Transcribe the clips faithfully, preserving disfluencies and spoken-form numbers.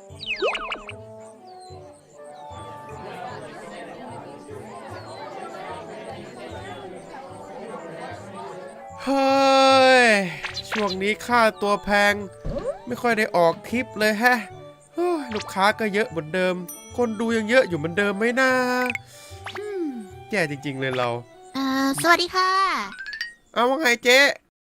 เฮ้ยช่วงนี้ค่าตัวแพงไม่ค่อยได้ออกทริปเลยแฮะลูกค้าก็เยอะเหมือนเดิมคนดูยังเยอะอยู่เหมือนเดิมไหมนะแย่จริงๆเลยเราเอ่อสวัสดีค่ะเอาว่าไงเจ๊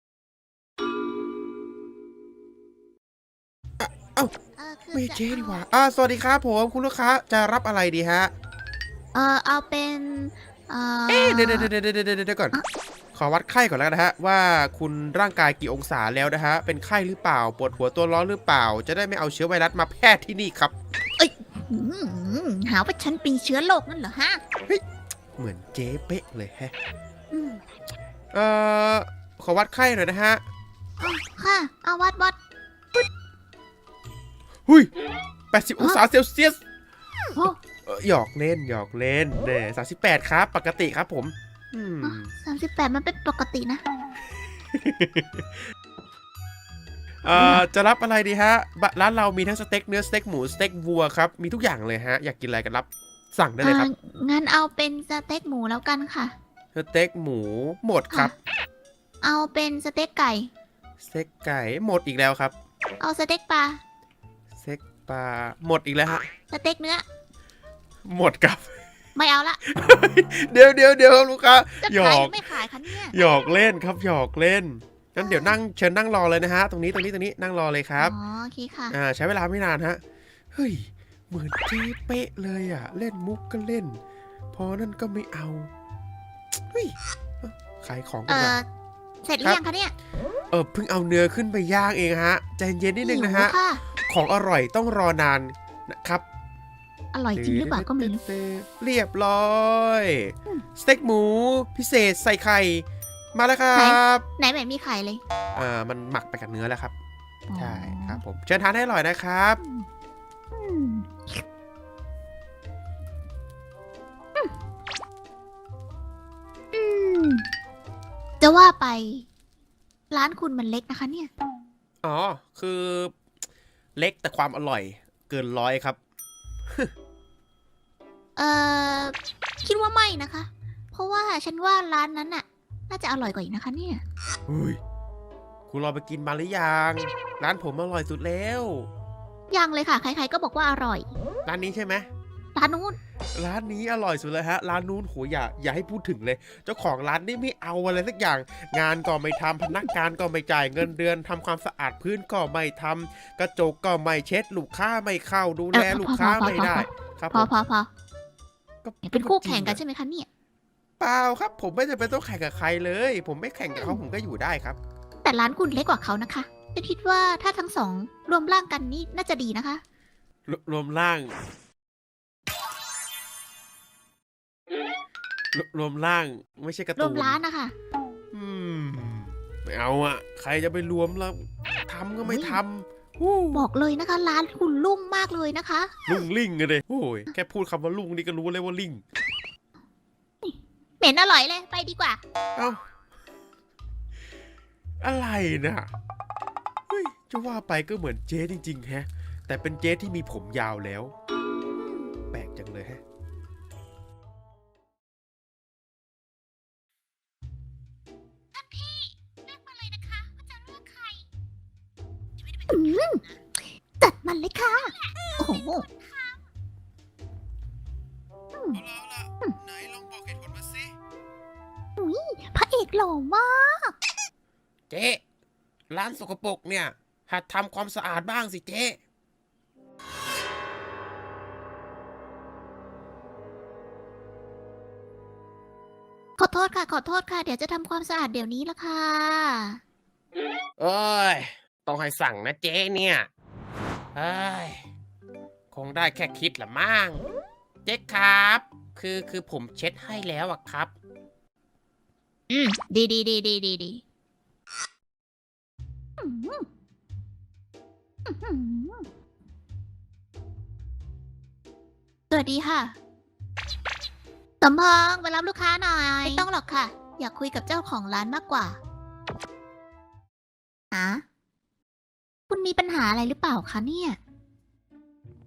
เอ้าไม่เจ๊ดีกว่าอ่าสวัสดีครับผมคุณลูกค้าจะรับอะไรดีฮะเออเอาเป็นเออเอ๊ะเดี๋ยวเดี๋ยวเดี๋ยวเดี๋ยวเดี๋ยวก่อนขอวัดไข้ก่อนแล้วนะฮะว่าคุณร่างกายกี่องศาแล้วนะฮะเป็นไข้หรือเปล่าปวดหัวตัวร้อนหรือเปล่าจะได้ไม่เอาเชื้อไวรัสมาแพร่ที่นี่ครับเอ้ยหาว่าฉันเป็นเชื้อโรคนั่นเหรอฮะเหมือนเจ๊เป๊ะเลยแฮะเอ่อขอวัดไข้หน่อยนะฮะค่ะเอาวัดวัดหุยแปดสิบองศาเซลเซียสหยอกเล่นหยอกเล่นเน่สามสิบแปดครับปกติครับผมสามสิบแปดมันเป็นปกตินะเอ่อจะรับอะไรดีฮะร้านเรามีทั้งสเต็กเนื้อสเต็กหมูสเต็กวัวครับมีทุกอย่างเลยฮะอยากกินอะไรกันรับสั่งได้เลยครับงั้นเอาเป็นสเต็กหมูแล้วกันค่ะสเต็กหมูหมดครับเอาเป็นสเต็กไก่สเต็กไก่หมดอีกแล้วครับเอาสเต็กปลาสเต็กปลาหมดอีกแล้วฮะสเต็กเนื้อหมดครับไม่เอาละเดี๋ยวเดี๋ยวเดี๋ยวลูกค้าหยอกไม่ขายคะเนี่ยหยอกเล่นครับหยอกเล่นงั้นเดี๋ยวนั่งเชิญนั่งรอเลยนะฮะตรงนี้ตรงนี้ตรงนี้นั่งรอเลยครับอ๋อโอเคค่ะอ่าใช้เวลาไม่นานฮะเฮ้ยเหมือนเจ๊เป๊ะเลยอ่ะเล่นมุกก็เล่นพอนั่นก็ไม่เอาเฮ้ยขายของกันก่อนเสร็จหรือยังคะเนี่ยเออเพิ่งเอาเนื้อขึ้นไปย่างเองฮะใจเย็นนิดนึงนะฮะของอร่อยต้องรอนานนะครับอร่อยจริงหรือเปล่าก็ไม่รู้เรียบร้อยสเต็กหมูพิเศษใส่ไข่มาแล้วครับไหนไหนมีไข่เลยอ่ามันหมักไปกับเนื้อแล้วครับใช่ครับผมเชิญทานให้อร่อยนะครับจะว่าไปร้านคุณมันเล็กนะคะเนี่ยอ๋อคือเล็กแต่ความอร่อยเกินร้อยครับเอ่อคิดว่าไม่นะคะ เพราะว่าฉันว่าร้านนั้นน่ะน่าจะอร่อยกว่าอีกนะคะเนี่ยอุ้ยคุณรอไปกินมาหรือยังร้านผมอร่อยสุดแล้วยังเลยค่ะใครๆก็บอกว่าอร่อยร้านนี้ใช่ไหมร้านนู้นร้านนี้อร่อยสุดเลยฮะร้านนู้นโหอย่าอย่าให้พูดถึงเลยเจ้าของร้านนี่ไม่เอาอะไรสักอย่างงานก็ไม่ทำพนักงานก็ไม่จ่ายเงินเดือนทำความสะอาดพื้นก็ไม่ทำกระจกก็ไม่เช็ดลูกค้าไม่เข้าดูแลลูกค้าไม่ได้ครับพอพอพอเป็นคู่แข่งกันใช่ไหมคะเนี่ยเปล่าครับผมไม่จำเป็นต้องแข่งกับใครเลยผมไม่แข่งกับเขาผมก็อยู่ได้ครับแต่ร้านคุณเล็กกว่าเขานะคะจะคิดว่าถ้าทั้งสองรวมร่างกันนี่น่าจะดีนะคะรวมร่างรวมร่างไม่ใช่กระตูนรวมร้านนะคะอืมไม่เอาอะใครจะไปรวมแล้วทำก็ไม่ทำบอกเลยนะคะร้านคุณลุ่งมากเลยนะคะลุ่งลิ่งเลยโอ้ยแค่พูดคำว่าลุ่งนี่ก็รู้เลยว่าลิ่งเหม็นอร่อยเลยไปดีกว่าเอ้าอะไรนะเฮ้ยจะว่าไปก็เหมือนเจ๊จริงๆแฮะแต่เป็นเจ๊ที่มีผมยาวแล้วแปลกจังเลยฮะท่านพี่เลือกมาเลยนะคะว่าจะเลือกใครจัดมันเลยค่ะโอ้โหเอาละเอาละไหนลองบอกเหตุผลมาสิอุ้ยพระเอกหล่อมากเจ๊ร้านสกปรกเนี่ยหัดทำความสะอาดบ้างสิเจ๊ขอโทษค่ะขอโทษค่ะเดี๋ยวจะทำความสะอาดเดี๋ยวนี้ละค่ะเอ้ยต้องให้สั่งนะเจ๊เนี่ยเอ้ยคงได้แค่คิดละมั่งเจ๊ครับคือคือผมเช็ดให้แล้วอะครับอืมดีดีดีดีดีดีสวัสดีค่ะสมพงษ์ไปรับลูกค้าหน่อยไม่ต้องหรอกค่ะอยากคุยกับเจ้าของร้านมากกว่าอะคุณมีปัญหาอะไรหรือเปล่าคะเนี่ย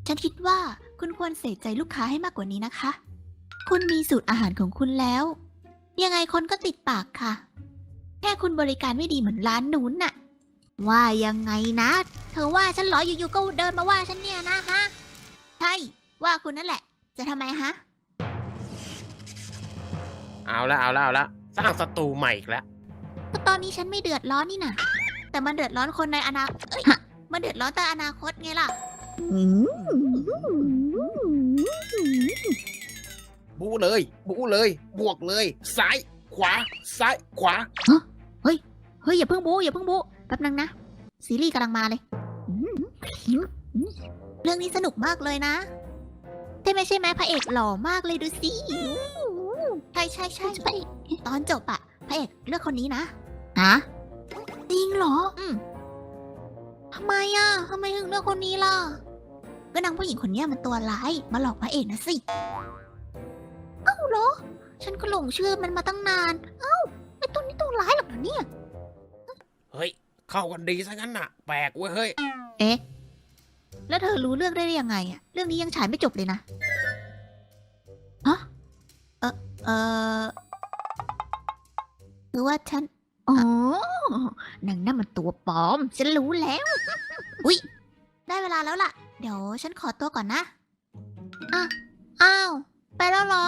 ฉันคิดว่าคุณควรใส่ใจลูกค้าให้มากกว่านี้นะคะ คุณมีสูตรอาหารของคุณแล้ว ยังไงคนก็ติดปากค่ะ แค่คุณบริการไม่ดีเหมือนร้านนู้นน่ะ ว่ายังไงนะ เธอว่าฉันเหรออยู่ๆก็เดินมาว่าฉันเนี่ยนะฮะ ใช่ ว่าคุณนั่นแหละ จะทำไมฮะเอาละเอาละเอาละสร้างศัตรูใหม่อีกแล้วก็ตอนนี้ฉันไม่เดือดร้อนนี่นะแต่มันเดือดร้อนคนในอนาคตเอ้ยมันเดือดร้อนแต่อนาคตไงล่ะบูเลย บูเลย บวกเลย ซ้าย ขวา ซ้าย ขวาเฮ้ย อย่าเพิ่งบูอย่าเพิ่งบูแป๊บนึงนะ ซีรีส์กำลังมาเลย เรื่องนี้สนุกมากเลยนะใช่ไหมใช่ไหมพระเอกหล่อมากเลยดูสิใช่ใช่ใช่พระเอกตอนจบอะพระเอกเลือกคนนี้นะฮะจริงเหรอ อืมทำไมอะทำไมถึงเลือกคนนี้ล่ะก็นางผู้หญิงคนนี้มันตัวร้ายมาหลอกพระเอกนะสิเอ้าเหรอ ฉันก็หลงเชื่อมันมาตั้งนาน เอ้าไอ้ตัวนี้ตัวร้ายหรอกเหรอเนี่ยเฮ้ย เข้ากันดีซะงั้นน่ะ แปลกเว้ยเฮ้ยเอ๊ะ แล้วเธอรู้เรื่องได้ยังไงอะเรื่องนี้ยังฉายไม่จบเลยนะ ฮะ เออเออคือว่าฉัน อ๋อนางนั่นมันตัวปลอม ฉันรู้แล้ว อุ๊ย ได้เวลาแล้วล่ะ เดี๋ยวฉันขอตัวก่อนนะ อ่ะ อ้าว ไปแล้วเหรอ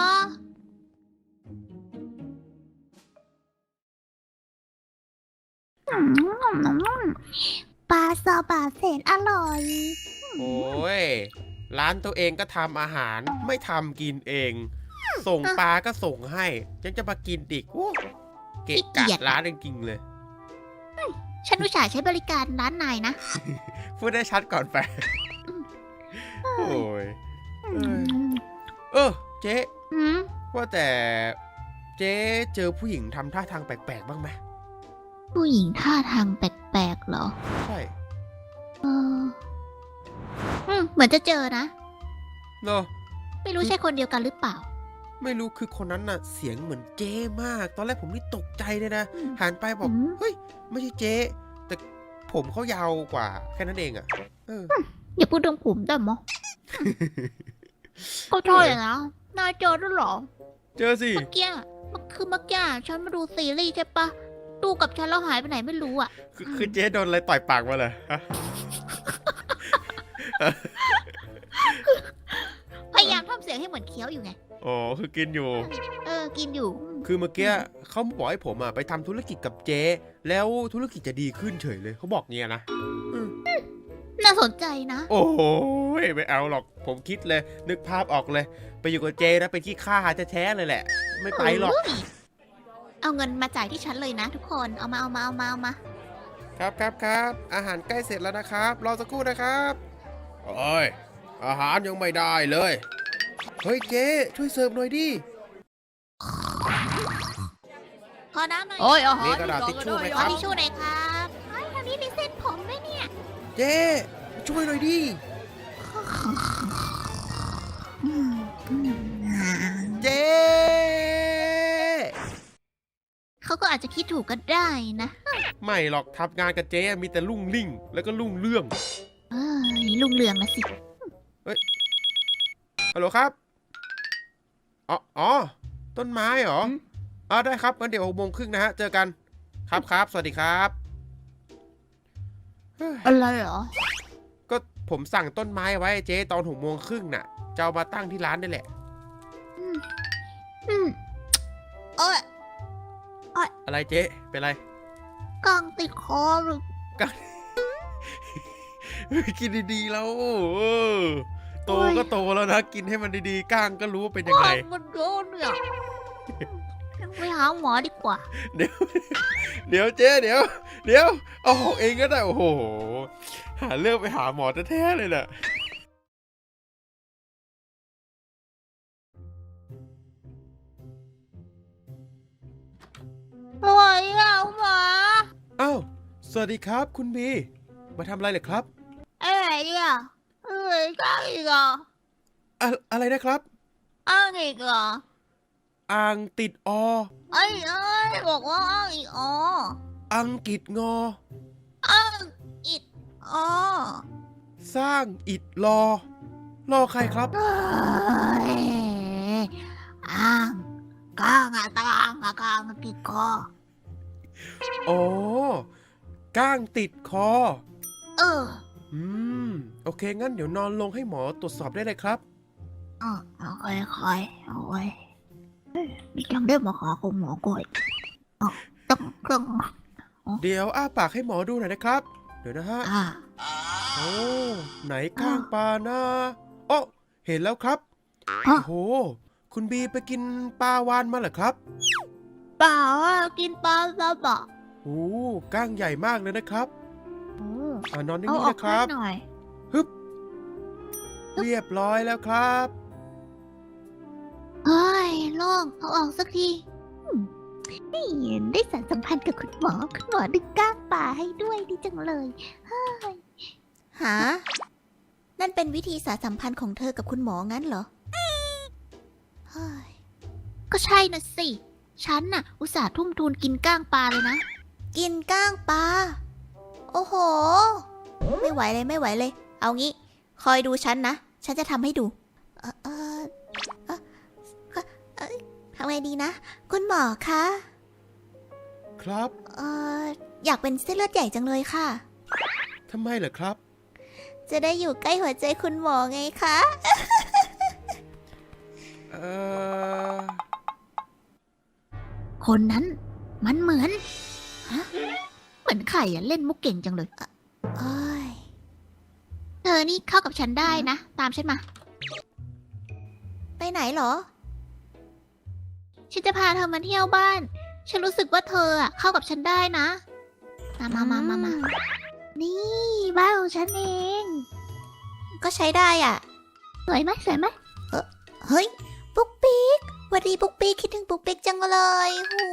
ปลาซาบะแสนอร่อยโอ้ย ร้านตัวเองก็ทำอาหาร ไม่ทำกินเอง ส่งปลาก็ส่งให้ ยังจะมากินอีกโอ้เกะขี้เกีกะยจร้านจริงๆเลยฉันอุตส่าห์ใช้บริการร้านนายนะพูดได้ชัดก่อนไป โอ้ย เออ เออ เจ๊อืมว่าแต่ เจ๊เจอผู้หญิงทำท่าทางแปลกๆบ้างไหมผู้หญิงท่าทางแปลกๆเหรอใช่เออ อืม เหมือนจะเจอนะเนอะไม่รู้ใช่คนเดียวกันหรือเปล่าไม่รู้คือคนนั้นน่ะ เสียงเหมือนเจ๊มาก ตอนแรกผมนี่ตกใจเลยนะอืมหันไปบอกอืมเฮ้ย ไม่ใช่เจ๊ แต่ผมเขายาวกว่า แค่นั้นเองอ่ะ เอออย่าพูดถึงผมได้มั้ยก็ใช่นะนายเจอด้วยเหรอเจอสิเมื่อกี้มันคือเมื่อกี้ฉันมาดูซีรีส์ใช่ปะดูกับฉันแล้วหายไปไหนไม่รู้อ่ะคือคือเจ๊โดนอะไรต่อยปากมาเลยฮะพยายามทำเสียงให้เหมือนเคี้ยวอยู่ไงอ๋อ คือกินอยู่เออ กินอยู่คือเมื่อกี้เขาบอกให้ผมอ่ะไปทำธุรกิจกับเจ๊ แล้วธุรกิจจะดีขึ้นเฉยเลย เขาบอกเงี้ยนะน่าสนใจนะโอ้โหไม่เอาหรอก ผมคิดเลย นึกภาพออกเลย ไปอยู่กับเจนะเป็นขี้ข้าจะแท้ๆเลยแหละ ไม่ไปหรอกเอาเงินมาจ่ายที่ฉันเลยนะทุกคน เอามาเอามาเอามาเอามาครับครับครับอาหารใกล้เสร็จแล้วนะครับ รอสักครู่นะครับโอ้ยอาหารยังไม่ได้เลย เฮ้ยเจ๊ช่วยเสิร์ฟหน่อยดิขอน้ำหน่อยโอ้ยอาหารมีกระดาษทิชชู่ไหมขคอรับทิชชู่หน่อยครับเฮ้ยทางนี้มีเส้นผมด้วยเนี่ยเจ๊ช่วยหน่อยดิ เจ๊เขาก็อาจจะคิดถูกก็ได้นะไม่หรอกทำงานกับเจ๊มีแต่ลุ่งลิ่ง แล้วก็ลุ่งเรื่องเอ้ยลุงเรืองนะสิฮัลโหลครับ อ๋ออ๋อต้นไม้เหรออ๋อได้ครับงั้นเดี๋ยวหกโมงครึ่งนะฮะ เจอกัน ครับครับ สวัสดีครับเฮ้ยอะไรเหรอก็ผมสั่งต้นไม้ไว้เจ๊ตอนหกโมงครึ่งน่ะ จะเอามาตั้งที่ร้านนี่แหละอืมเอ้ยอะไรเจ๊เป็นไรกางติดคอหรือเฮ้ยกินดีๆแล้วเออโตก็โตแล้วนะ กินให้มันดีๆก้างก็รู้ว่าเป็นยังไงกางมันโดนเนี่ยไปหาหมอดีกว่าเดี๋ยว เดี๋ยวเจ๊เดี๋ยว เดี๋ยว เอาของเองก็ได้ โอ้โห หาเรื่องไปหาหมอแท้ๆเลยน่ะป่วยอ่ะหมออ้าว สวัสดีครับคุณบี มาทำอะไรเหรอครับอะไรอ่ะเอ้ยก้างอีกอ่ะอะอะไรนะครับอ้างอีกอ่ะอ่างติดอไอ้เอ้ยบอกว่าอ้างอีกอ๋ออังกฤษงออ้างอีกอ๋อสร้างอิดรอรอใครครับเอ้ยอ้างก้างอะก้างอะก้างอะติดคออ๋อ ก้างติดคอเอออืม โอเค งั้นเดี๋ยวนอนลงให้หมอตรวจสอบได้เลยครับอ๋อเอาค่อยๆเอาไว้มีจังได้มาขอของหมอก่อยอ๋อต้องต้องเดี๋ยวอ้าปากให้หมอดูหน่อยนะครับ เดี๋ยวนะฮะอ่าโอ้ ไหนก้างปลานะอ๋อเห็นแล้วครับฮะโอ้โห คุณบีไปกินปลาวานมาเหรอครับเปล่าอ่ะกินปลาซะบะโอ้ก้างใหญ่มากเลยนะครับโอ้อ่านอนเอานิ่งอๆอกนะครับให้หน่อยฮึบ เรียบร้อยแล้วครับเฮ้ยโล่งเอาออกสักทีอืมนี่ได้สารสัมพันธ์กับคุณหมอคุณหมอดึงก้างป่าให้ด้วยดีจังเลยเฮ้ยหา นั่นเป็นวิธีสารสัมพันธ์ของเธอกับคุณหมองั้นเหรอเฮ้ยก็ใช่น่ะสิ ฉันน่ะ อุตส่าห์ทุ่มทุนกินก้างปลาเลยนะ กินก้างปลา โอ้โห ไม่ไหวเลยไม่ไหวเลย เอางี้ คอยดูฉันนะ ฉันจะทำให้ดู เออเออเออเอ่อทำไงดีนะ คุณหมอคะครับเอออยากเป็นเส้นเลือดใหญ่จังเลยค่ะทำไมเหรอครับจะได้อยู่ใกล้หัวใจคุณหมอไงคะเออคนนั้น มันเหมือนฮะเหมือนไข่อะเล่นมุกเก่งจังเลยเอ้ยเธอนี่เข้ากับฉันได้นะ ตามฉันมา ไปไหนเหรอ ฉันจะพาเธอมาเที่ยวบ้าน ฉันรู้สึกว่าเธออะเข้ากับฉันได้นะ มามามามามานี่บ้านของฉันเอง ก็ใช้ได้อ่ะ สวยไหมสวยไหมเออเฮ้ย ปุ๊กปิ๊กสวัสดีปุ๊กปิ๊กคิดถึงปุ๊กปิ๊กจังเลยหู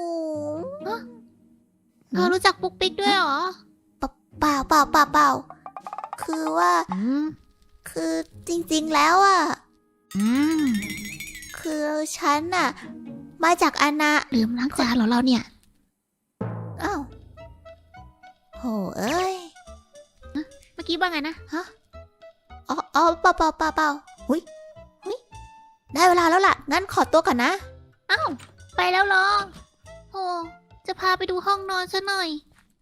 เธอรู้จักปุ๊กปิ๊กด้วยเหรอ เปล่าเปล่าเปล่าเปล่าคือว่า คือจริงๆแล้วอ่ะ อืม คือฉันน่ะ มาจากอาณาลืมล้างจานเหรอเราเนี่ย อ้าวโหเอ้ย เมื่อกี้ว่าไงนะ ฮะ อ๋ออ๋อเปล่าเปล่าเปล่าเปล่าหุยหุยได้เวลาแล้วล่ะ งั้นขอตัวก่อนนะ อ้าว ไปแล้วเหรอโอ้จะพาไปดูห้องนอนซะหน่อย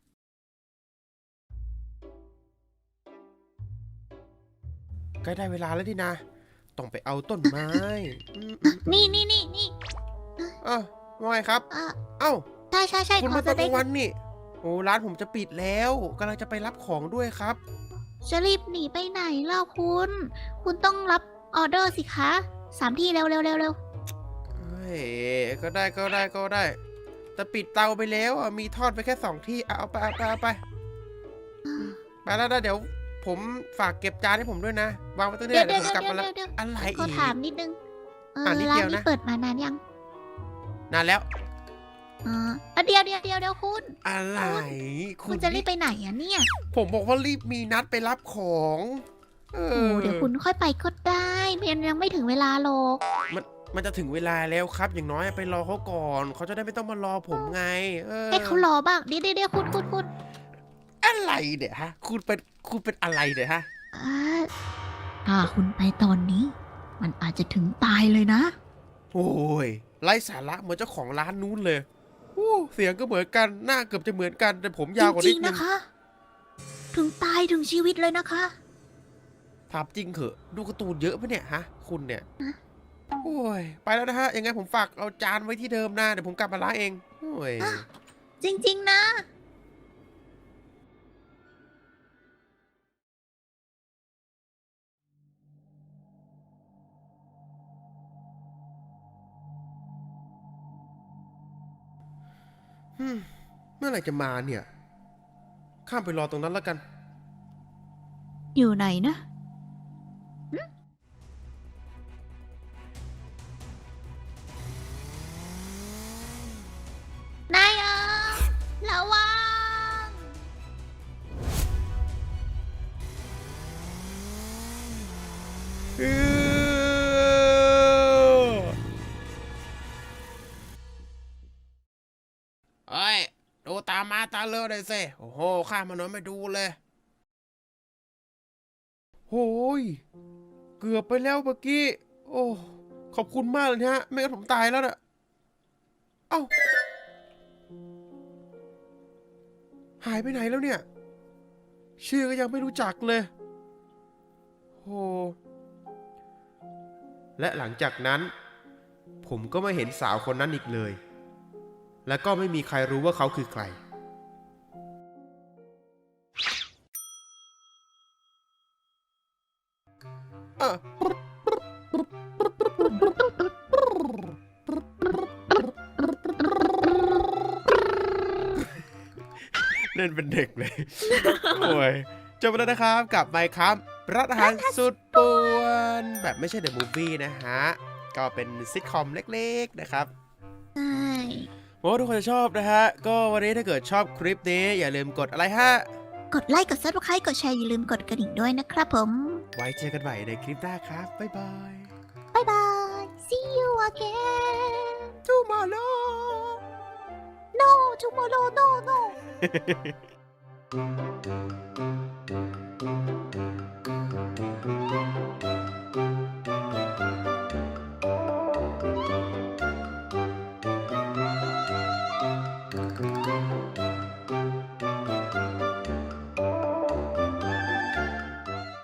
ใกล้ได้เวลาแล้วดินะ ต้องไปเอาต้นไม้อืมนี่นี่นี่นี่เอ้าว่าไงครับอ่ะเอ้าใช่ใช่ใช่คุณขอมาตจะอนกได้ลางวันนี่ โอ้ร้านผมจะปิดแล้วกำลังจะไปรับของด้วยครับจะรีบหนีไปไหนเล่าคุณ คุณต้องรับออเดอร์สิคะสามที่เร็วเร็วเร็วเร็วเฮ้ย ก็ได้ก็ได้ก็ได้ แต่ปิดเตาไปแล้วอ่ะมีทอดไปแค่สองที่เอาเอาไปเอาไปเอาไปไปแล้วนะเดี๋ยว ผมฝากเก็บจานให้ผมด้วยนะ วางไว้ตรงนี้เดี๋ยวเดี๋เดี๋ยยว วผมกลับเดี๋ยวมาแล้วเดี๋ยวอะไรขออีกถามนิดนึง เอออ่ะนิดร้าเดีนยวนี้นะเปิดมานานยังนานแล้วอ๋ออ่ะเดี๋ยวเดี๋ยวเดี๋ยวเดี๋ยวคุณอะไรคุณจะรีบไปไหนอ่ะเนี่ยผมบอกว่ารีบมีนัดไปรับของ เอโอ้อเดี๋ยวคุณค่อยไปก็ได้มันยังไม่ถึงเวลาหรอกมันมันจะถึงเวลาแล้วครับ อย่างน้อยไปรอเขาก่อน เขาจะได้ไม่ต้องมารอผมไง เออให้เขารอบ้าง เดี๋ยวเดี๋ยวเดี๋ยวคุณคุณคุณอะไรเนี่ยฮะ คุณเป็นคุณเป็นอะไรเนี่ยฮะอ่าถ้าคุณไปตอนนี้ มันอาจจะถึงตายเลยนะโอ้ยไร้สาระเหมือนเจ้าของร้านนู้นเลยโอ้เสียงก็เหมือนกัน หน้าเกือบจะเหมือนกัน แต่ผมยาวกว่าจนิริดงๆนึนะงคะ ถึงตายถึงชีวิตเลยนะคะถามจริงเหอะ ดูการ์ตูนเยอะปะเนี่ยฮะ คุณเนี่ย โอ้ย ไปแล้วนะฮะ ยังไงผมฝากเอาจานไว้ที่เดิมนะ เดี๋ยวผมกลับมาล้างเอง โอ้ยจริงๆนะฮึ่มเมื่อไหร่จะมาเนี่ย ข้ามไปรอตรงนั้นแล้วกันอยู่ไหนนะนายอ่ะระวังเอ้ย ดูตามมาตาเลือเลยสิโอ้โห ข้ามถนนไม่ดูเลยโอ้ยเกือบไปแล้วเมื่อกี้โอ้ขอบคุณมากเลยนะฮะไม่งั้นผมตายแล้วน่ะเอ้าหายไปไหนแล้วเนี่ยชื่อก็ยังไม่รู้จักเลยโอ้และหลังจากนั้นผมก็ไม่เห็นสาวคนนั้นอีกเลยและก็ไม่มีใครรู้ว่าเขาคือใครอ่ะเล่นเป็นเด็กเลย โอ้ยจบไปแล้วนะครับกับไมค์ครับรัฐอาหารสุดป่วนแบบไม่ใช่เดอะมูฟวี่นะฮะก็เป็นซิทคอมเล็กๆนะครับใช่หวังว่าทุกคนจะชอบนะฮะก็วันนี้ถ้าเกิดชอบคลิปนี้อย่าลืมกดอะไรฮะกดไลค์กดซับสไครต์กดแชร์อย่าลืมกดกระดิ่งด้วยนะครับผมไว้เจอกันใหม่ในคลิปหน้าครับบ๊ายบายบ๊ายบาย see you again tomorrow no tomorrow no no